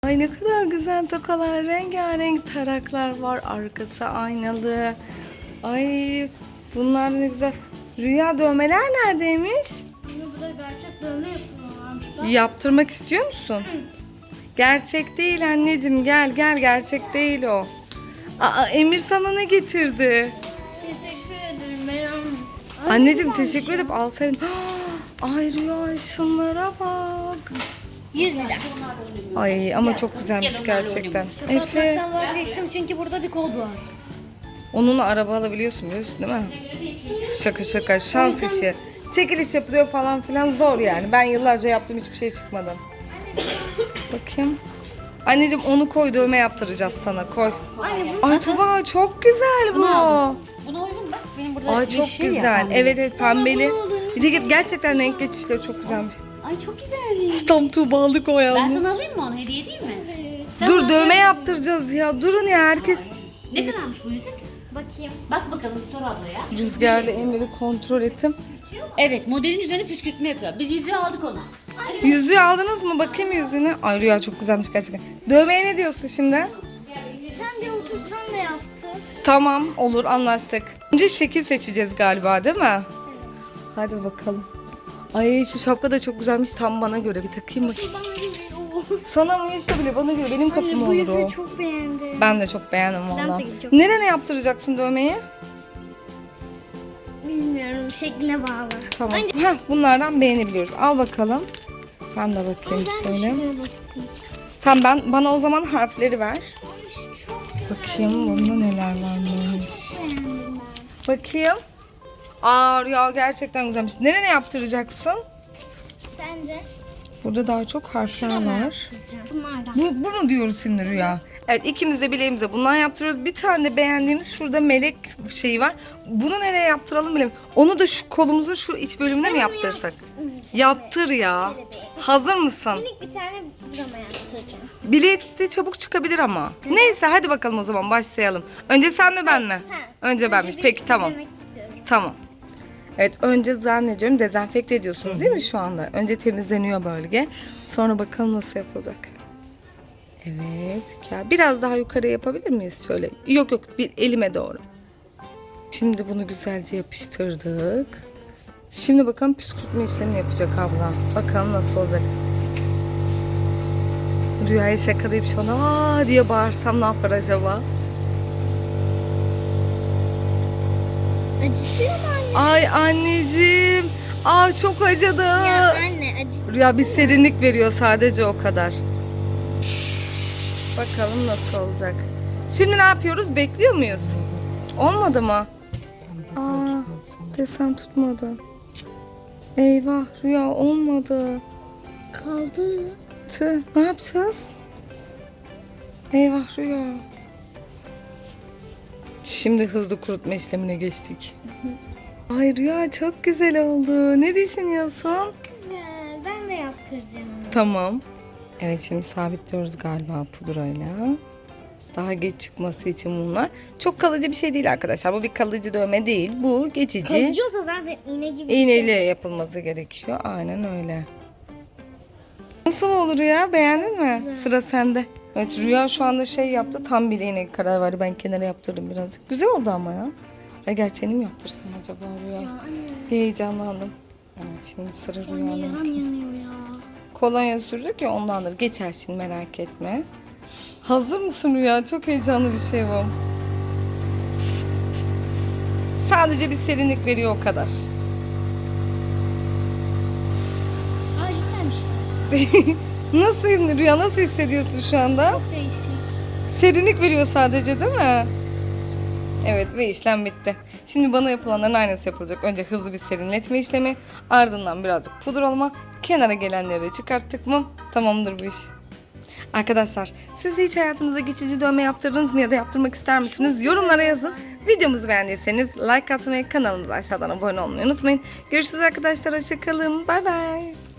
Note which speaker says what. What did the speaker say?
Speaker 1: Ay ne kadar güzel tokalar, rengarenk taraklar var. Arkası aynalı. Ay bunlar ne güzel. Rüya, dövmeler neredeymiş?
Speaker 2: Burada gerçek dövme yapıyorlarmış.
Speaker 1: Yaptırmak istiyor musun? Gerçek değil anneciğim, gel gerçek değil o. Aa, Emir sana ne getirdi?
Speaker 2: Teşekkür ederim Meryem.
Speaker 1: Anneciğim teşekkür edip alsaydım. Ay Rüya şunlara bak.
Speaker 2: 100 lira.
Speaker 1: Ay ama çok güzelmiş gerçekten. Efe,
Speaker 2: Kapatmaktan vazgeçtim çünkü burada bir kod var.
Speaker 1: onunla araba alabiliyorsun biliyorsun değil mi? Şaka şans işi. Çekiliş yapılıyor falan filan, zor yani. Ben yıllarca yaptım, hiçbir şey çıkmadı. Bakayım. Anneciğim onu koy, dövme yaptıracağız sana, koy.
Speaker 2: Anne
Speaker 1: Ay Tuba çok güzel bu.
Speaker 3: Buna uygun bak. Benim burada
Speaker 1: Ay çok
Speaker 3: yeşil ya
Speaker 1: güzel.
Speaker 3: pembe.
Speaker 1: Evet pembeli.
Speaker 2: bunu olur.
Speaker 1: Bir de gerçekten renk geçişleri çok güzelmiş.
Speaker 3: Ay çok güzelmiş.
Speaker 1: Tam Tuğbalık o
Speaker 3: Ben
Speaker 1: yalnız.
Speaker 3: sana alayım mı onu? Hediye değil mi?
Speaker 1: Dur dövme yaptıracağız ya. Durun ya herkes.
Speaker 3: Ne kadarmış bu yüzük?
Speaker 2: bakayım.
Speaker 3: Bak bakalım bir sor ablaya.
Speaker 1: Rüzgarlı Emir'i kontrol ettim.
Speaker 3: Evet, modelin üzerine püskürtme yapıyor. Biz yüzüğü aldık ona.
Speaker 1: Yüzüğü aldınız mı? Bakayım yüzüğüne. Ay Rüya çok güzelmiş gerçekten. Dövmeye ne diyorsun şimdi?
Speaker 2: Sen de otursan da yaptır.
Speaker 1: Tamam olur, anlaştık. Önce şekil seçeceğiz galiba değil mi? Hadi bakalım. Ay şu şapka da çok güzelmiş, tam bana göre. Bir takayım mı?
Speaker 2: Bana göre o.
Speaker 1: Sana mı işte bile, bana göre, benim kafam
Speaker 2: Bu
Speaker 1: olur
Speaker 2: yüzüğü
Speaker 1: o.
Speaker 2: çok beğendim.
Speaker 1: Ben de çok beğendim valla.
Speaker 2: takayım, çok
Speaker 1: Nerene yaptıracaksın dövmeyi?
Speaker 2: Bilmiyorum, şekline bağlı.
Speaker 1: Tamam. Heh, bunlardan beğenebiliyoruz. Al bakalım. Ben de bakayım şöyle.
Speaker 2: Şuraya bakayım.
Speaker 1: Tamam bana o zaman harfleri ver.
Speaker 2: Ay, şu çok
Speaker 1: Bakayım bunda neler varmış.
Speaker 2: beğendim
Speaker 1: Bakayım. Aa Rüya gerçekten güzelmiş. Nerene yaptıracaksın?
Speaker 2: ben. Sence?
Speaker 1: Burada daha çok harfler
Speaker 2: Şuraya mı
Speaker 1: var.
Speaker 2: yaptıracağım? Bunlardan.
Speaker 1: Bu mu diyoruz şimdi Rüya? Evet, ikimiz de bileğimize bundan yaptırıyoruz. Bir tane de beğendiğimiz şurada melek şeyi var. Bunu nereye yaptıralım bilemiyorum. Onu da şu kolumuzun şu iç bölümüne mi yaptırsak? Yaptır ya. Hazır mısın?
Speaker 2: Minik bir tane burama yaptıracağım.
Speaker 1: Bilek de çabuk çıkabilir ama. Neyse hadi bakalım o zaman başlayalım. Önce sen mi ben mi?
Speaker 2: Sen.
Speaker 1: Önce benmiş.
Speaker 2: bir
Speaker 1: Peki tamam.
Speaker 2: izlemek istiyorum.
Speaker 1: Tamam. Evet önce zannediyorum dezenfekte ediyorsunuz değil mi şu anda? Önce temizleniyor bölge. Sonra bakalım nasıl yapılacak. Evet. Ya biraz daha yukarı yapabilir miyiz şöyle? Yok bir elime doğru. Şimdi bunu güzelce yapıştırdık. Şimdi bakalım püskürtme işlemi yapacak abla. Bakalım nasıl olacak. Rüyayı şakalayıp şu an aa diye bağırsam ne yapar acaba?
Speaker 2: Acıtıyor mu anne?
Speaker 1: Ay anneciğim. Aa çok acıdı.
Speaker 2: Ya anne acıtıyor.
Speaker 1: Rüya bir serinlik veriyor sadece, o kadar. Bakalım nasıl olacak. Şimdi ne yapıyoruz? Bekliyor muyuz? Olmadı mı? Aa, desen tutmadı. Eyvah Rüya olmadı.
Speaker 2: Kaldı.
Speaker 1: Tüh, ne yapacağız? Eyvah Rüya. Şimdi hızlı kurutma işlemine geçtik. Ay Rüya çok güzel oldu. Ne düşünüyorsun?
Speaker 2: Güzel. Ben de yaptıracağım.
Speaker 1: Tamam. Evet şimdi sabitliyoruz galiba pudrayla. Daha geç çıkması için bunlar. Çok kalıcı bir şey değil arkadaşlar. Bu bir kalıcı dövme değil. Bu geçici.
Speaker 2: Kalıcı olsa zaten iğne gibi bir
Speaker 1: İğneyle
Speaker 2: şey.
Speaker 1: yapılması gerekiyor. Aynen öyle. Nasıl olur ya? Beğendin mi? Sıra sende. Evet Rüya şu anda şey yaptı. Tam bileğine karar verdi. Ben kenara yaptırdım birazcık. Güzel oldu ama ya. Ya gerçeğini mi yaptırsam acaba Rüya?
Speaker 2: Ya anne.
Speaker 1: Bir heyecanlandım. Evet şimdi sıra
Speaker 2: Anne
Speaker 1: Rüya'nın.
Speaker 2: yaram yanıyor ya.
Speaker 1: Kolonya sürdük ya, ondandır. Geçer şimdi, merak etme. Hazır mısın Rüya? Çok heyecanlı bir şey bu. Sadece bir serinlik veriyor o kadar.
Speaker 2: Ay gitmemiş.
Speaker 1: Nasıl Rüya, nasıl hissediyorsun şu anda?
Speaker 2: Çok değişik.
Speaker 1: Serinlik veriyor sadece değil mi? Evet ve işlem bitti. Şimdi bana yapılanların aynısı yapılacak. Önce hızlı bir serinletme işlemi, ardından birazcık pudralama, kenara gelenleri çıkarttık mı tamamdır bu iş. Arkadaşlar siz de hiç hayatınızda geçici dövme yaptırdınız mı ya da yaptırmak ister misiniz? Yorumlara yazın. Videomuzu beğendiyseniz like atmayı, kanalımıza aşağıdan abone olmayı unutmayın. Görüşürüz arkadaşlar, hoşça kalın. Bay bay.